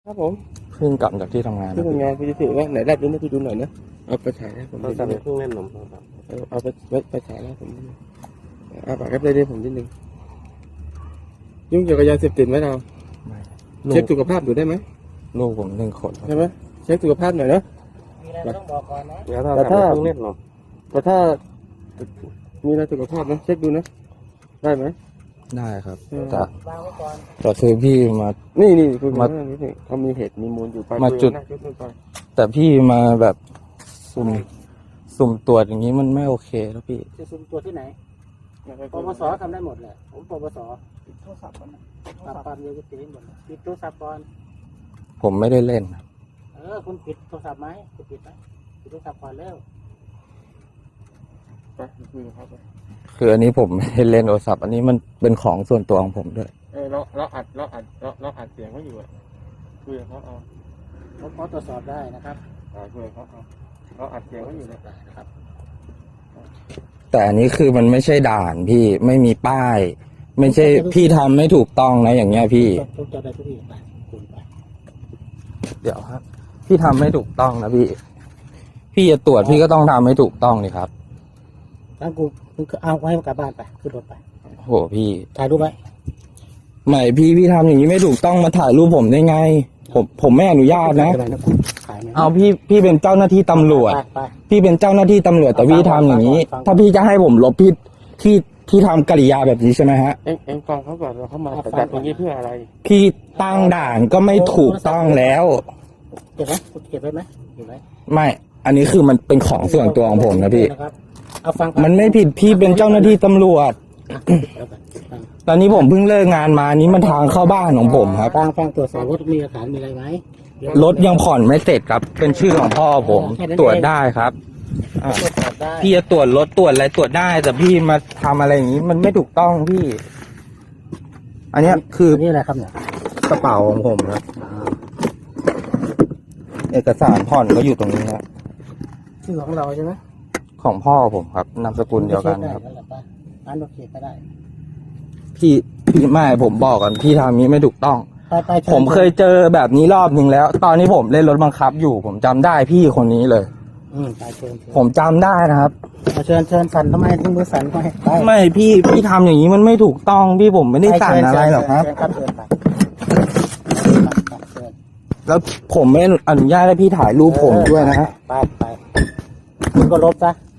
ครับผมเพิ่งกลับจากที่ทำงานที่ทำงานพี่จะถือว่าไหนได้ดูนะพี่ดูหน่อยนะเอาไปฉายให้ผมเราดูทำเครื่องเล่นหนมครับเอาไปฉายให้ผมดูเอาปากแอปได้ผมนิดนึงยุ่งเกี่ยวกับยาเสพติดไหมเราไม่เช็คสุขภาพดูได้ไหมลูกผม1 คนครับใช่ไหมเช็คสุขภาพหน่อยเนาะมีอะไรต้องบอกก่อนนะแล้วเราทำเครื่องเล่นหนมแต่ถ้ามีอะไรสุขภาพนะเช็คดูนะได้ไหมได้ครับเออแต่วางไว้ก่อนแต่คือพี่มานี่คุยมากันนิดนึงเขามีเหตุมีมูลอยู่ไปมาจุดคุยกันหน้จุดไปแต่พี่มาแบบสุ่มตรวจอย่างนี้มันไม่โอเคแล้วพี่จะซุ่มตัวที่ไหนปปสทำได้หมดแหละผมปปสปิดโทรศัพท์มันปราบปรามยาเสพติดหมดปิดโทรศัพท์ก่อนผมไม่ได้เล่นครับคุณปิดโทรศัพท์ไหมจะปิดไหมปิดโทรศัพท์ก่อนเร็วไปคุยกับเขาไปคืออันนี้ผมไม่ได้เล่นโทรศัพท์อันนี้มันเป็นของส่วนตัวของผมด้วยเราอัดเสียงเขาอยู่อะคุยกับเขาเอาผมขอตรวจสอบได้นะครับคุยกับเขาเอาเราอัดเสียงเขาอยู่นะได้นะครับแต่อันนี้คือมันไม่ใช่ด่านพี่ไม่มีป้าย ไม่ใช่พี่ทำไม่ถูกต้องนะอย่างเงี้ยพี่ทุกจะได้ทุกที่ไปคุณไปเดี๋ยวครับพี่ทำไม่ถูกต้องนะพี่จะตรวจพี่ก็ต้องทำให้ถูกต้องนี่ครับแล้วคุณเอาไว้กลับบ้านไปขึ้นรถไปโหพี่ถ่ายรูปไว้ไม่พี่ทำอย่างนี้ไม่ถูกต้องมาถ่ายรูปผมได้ไง ผมไม่อนุญาตนะถ่ายคุณถ่ายไหมเอาพี่เป็นเจ้าหน้าที่ตำรวจไปพี่เป็นเจ้าหน้าที่ตำรวจแต่พี่ทำอย่างนี้ฟังถ้าพี่จะให้ผมลบพี่ทำกริยาแบบนี้ใช่ไหมฮะเอ็งฟังเขาก่อนเราเขามาจัดอย่างนี้เพื่ออะไรพี่ตั้งด่านก็ไม่ถูกต้องแล้วเก็บไหมคุณเก็บไว้ไหมเก็บไว้ไม่ อันนี้คือมันเป็นของส่วนตัวของผมนะพี่นะครับเอาฟังมันไม่ผิดพี่เป็นเจ้าหน้าที่ตำรวจ ตอนนี้ผมเพิ่งเลิกงานมานี้มันทางเข้าบ้านของผมครับฟังตรวจสอบรถมีหลักฐานมีอะไรไหมรถยังผ่อนไม่เสร็จครับ เป็นชื่อของพ่อผมตรวจได้ครับอ่ะตรวจสอบได้พี่จะตรวจรถตรวจอะไรตรวจได้ แต่พี่มาทำอะไรอย่างนี้ มันไม่ถูกต้องพี่ อันเนี้ยคือนี่อะไรครับเนี่ยกระเป๋าของผมครับเอกสารผ่อนก็อยู่ตรงนี้ครับชื่อของเราใช่ไหมของพ่อผมครับนามสกุลเดียวกันครับร้านโอเคก็ได้พี่ไม่ผมบอกก่อนพี่ทำนี้ไม่ถูกต้องไปชิญผมเคยเจอแบบนี้รอบหนึ่งแล้ว ตอนนี้ผมเล่นรถบังคับอยู่ ผมจำได้พี่คนนี้เลยไปเชิญผมจำได้นะครับเชิญสั่นทำไมถึงมือสั่นไปไปไม่พี่ทำอย่างนี้มันไม่ถูกต้องพี่ผมไม่ได้สั่งอะไรหรอกครับเชิญครับเชิญไปเชิญแล้วผมไม่อนุญาตให้พี่ถ่ายรูปผมด้วยนะฮะไปคุณก็ลบซะ